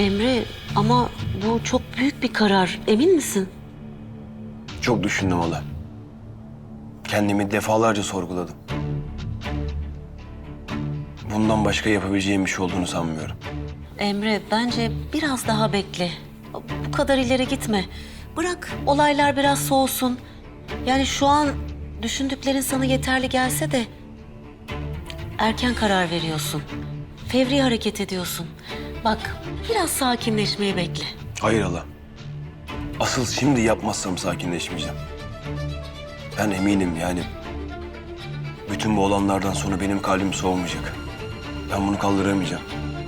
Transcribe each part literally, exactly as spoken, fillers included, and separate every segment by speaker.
Speaker 1: Emre ama bu çok büyük bir karar. Emin misin?
Speaker 2: Çok düşündüm hala. Kendimi defalarca sorguladım. Bundan başka yapabileceğim bir şey olduğunu sanmıyorum.
Speaker 1: Emre bence biraz daha bekle. Bu kadar ileri gitme. Bırak olaylar biraz soğusun. Yani şu an düşündüklerin sana yeterli gelse de erken karar veriyorsun. Fevri hareket ediyorsun. Bak biraz sakinleşmeyi bekle.
Speaker 2: Hayır hala. Asıl şimdi yapmazsam sakinleşmeyeceğim. Ben eminim yani. Bütün bu olanlardan sonra benim kalbim soğumayacak. Ben bunu kaldıramayacağım.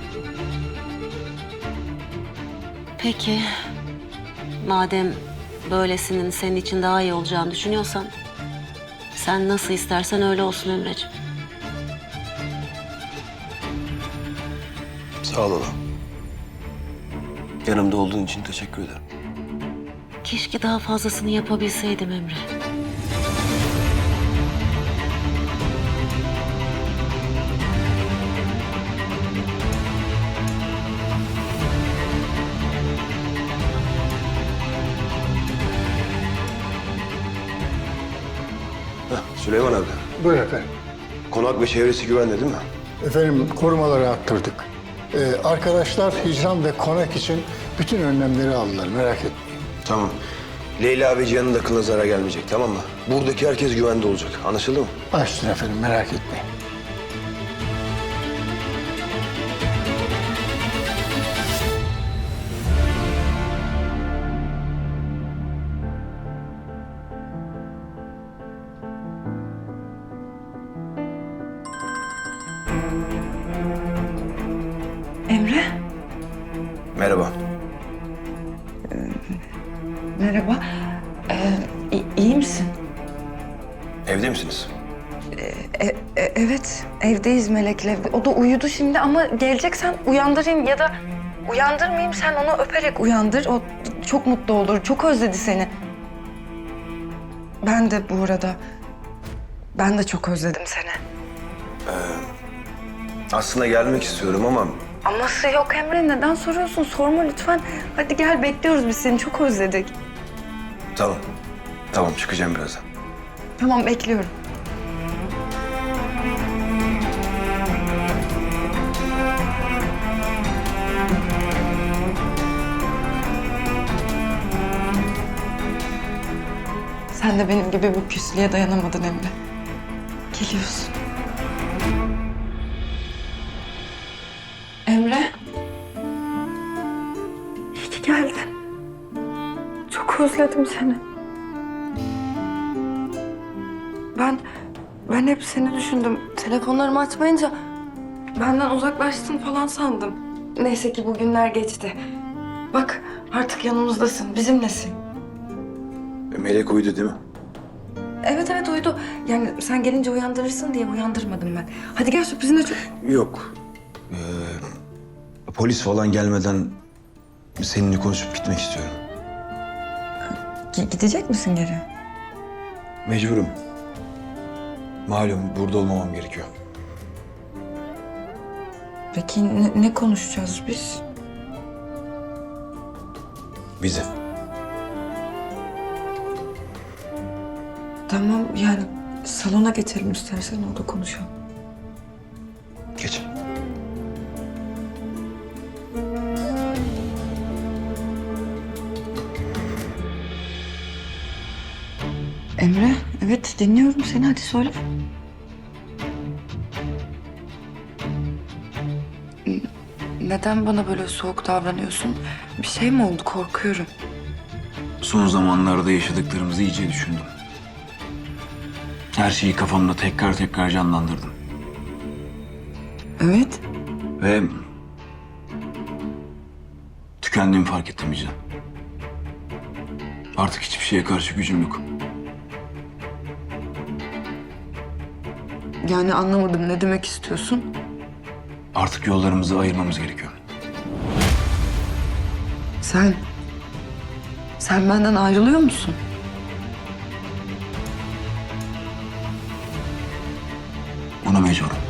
Speaker 1: Peki madem böylesinin senin için daha iyi olacağını düşünüyorsan sen nasıl istersen öyle olsun Emreciğim.
Speaker 2: Sağ ol hala. Yanımda olduğun için teşekkür ederim.
Speaker 1: Keşke daha fazlasını yapabilseydim Emre.
Speaker 2: Heh, Süleyman abi.
Speaker 3: Buyur efendim.
Speaker 2: Konak ve çevresi güvende değil mi?
Speaker 3: Efendim korumaları arttırdık. Ee, arkadaşlar hicran ve konak için bütün önlemleri aldılar, merak etmeyin.
Speaker 2: Tamam. Leyla ve Cihan'ın da kılına zarar gelmeyecek, tamam mı? Buradaki herkes güvende olacak. Anlaşıldı mı?
Speaker 3: Açtın efendim, merak etmeyin.
Speaker 4: Emre,
Speaker 2: Merhaba.
Speaker 4: merhaba. Ee, i- iyi misin?
Speaker 2: Evde misiniz?
Speaker 4: E- e- evet, evdeyiz Melek'le. O da uyudu şimdi ama geleceksen uyandırayım ya da uyandırmayayım, sen onu öperek uyandır. O çok mutlu olur, çok özledi seni. Ben de bu arada, ben de çok özledim seni.
Speaker 2: Aslında gelmek istiyorum ama
Speaker 4: Aması yok Emre, neden soruyorsun? Sorma lütfen. Hadi gel, bekliyoruz biz seni, çok özledik.
Speaker 2: tamam. Tamam, çıkacağım birazdan.
Speaker 4: Tamam, bekliyorum. Sen de benim gibi bu küslüğe dayanamadın Emre. Geliyorsun. Emre. İyi ki geldin. Çok özledim seni. Ben, ben hep seni düşündüm. Telefonlarımı açmayınca benden uzaklaştın falan sandım. Neyse ki bugünler geçti. Bak artık yanımızdasın, bizimlesin.
Speaker 2: Melek uyudu değil mi?
Speaker 4: Evet evet uyudu. Yani sen gelince uyandırırsın diye uyandırmadım ben. Hadi gel, sürprizine çok...
Speaker 2: Yok. Ee, polis falan gelmeden seninle konuşup gitmek istiyorum.
Speaker 4: G- gidecek misin geri?
Speaker 2: Mecburum. Malum burada olmamam gerekiyor.
Speaker 4: Peki ne, ne konuşacağız biz?
Speaker 2: Bizi.
Speaker 4: Tamam yani salona geçelim istersen, orada konuşalım.
Speaker 2: Geç.
Speaker 4: Emre, evet dinliyorum seni, hadi söyle. N- Neden bana böyle soğuk davranıyorsun? Bir şey mi oldu? Korkuyorum.
Speaker 2: Son zamanlarda yaşadıklarımızı iyice düşündüm. Her şeyi kafamda tekrar tekrar canlandırdım.
Speaker 4: Evet.
Speaker 2: Ve tükendiğimi fark ettim Vicdan. Artık hiçbir şeye karşı gücüm yok.
Speaker 4: Yani anlamadım, ne demek istiyorsun?
Speaker 2: Artık yollarımızı ayırmamız gerekiyor.
Speaker 4: Sen... Sen benden ayrılıyor musun?
Speaker 2: Buna mecburum.